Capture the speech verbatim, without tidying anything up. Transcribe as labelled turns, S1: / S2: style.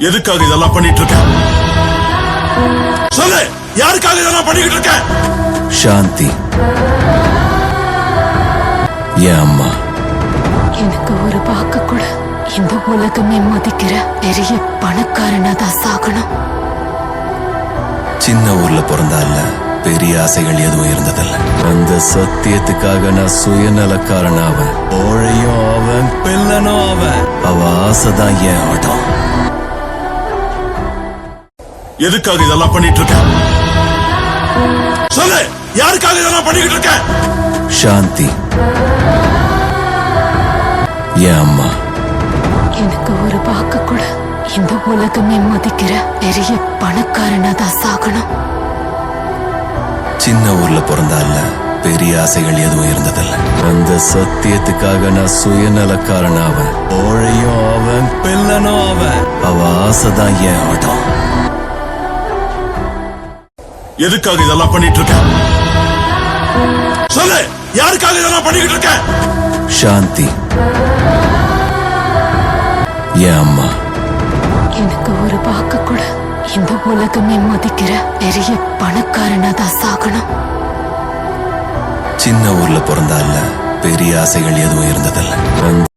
S1: எதுக்காக இதெல்லாம் பண்ணிட்டு இருக்க? சொல்லு, யாருக்காக இதெல்லாம் பண்ணிக்கிட்டு இருக்க?
S2: சாந்தி என் அம்மா.
S3: எனக்கு ஒரு வாக்கு கூட இந்த உலகமே மதிக்கிற பெரிய பணக்காரனா தான் சாகணும்.
S2: சின்ன ஊர்ல பிறந்தால பெரிய ஆசைகள் எதுவும் இருந்ததில்ல. அந்த சத்தியத்துக்காக நான் சுயநலக்காரன் அவன், ஓழையும் அவன், பிள்ளனும் அவன். அவ ஆசைதான் என் ஆட்டம்.
S1: எதுக்காக இதெல்லாம் பண்ணிட்டு இருக்க? சொல்லு, யாருக்காக இதெல்லாம் பண்ணிக்கிட்டு இருக்க?
S2: சாந்தி என் அம்மா.
S3: எனக்கு ஒரு வாக்கு கூட இந்த உலகமே மதிக்கிற பெரிய பணக்காரனா தான் சாகணும்.
S2: சின்ன ஊர்ல பிறந்தால பெரிய ஆசைகள் எதுவும் இருந்ததில்ல. அந்த சத்தியத்துக்காக நான் சுயநலக்காரன் அவன், ஓழையும் அவன், பிள்ளனும் அவன். அவ ஆசைதான் என் ஆட்டம்.
S1: எதுக்காக இதெல்லாம் பண்ணிட்டு இருக்க? சொல்லு, யாருக்காக இதெல்லாம் பண்ணிக்கிட்டு இருக்க?
S2: சாந்தி என் அம்மா.
S3: எனக்கு ஒரு வாக்கு கூட இந்த உலகமே மதிக்கிற பெரிய பணக்காரனா தான் சாகணும்.
S2: சின்ன ஊர்ல பிறந்தால பெரிய ஆசைகள் எதுவும் இருந்ததில்ல.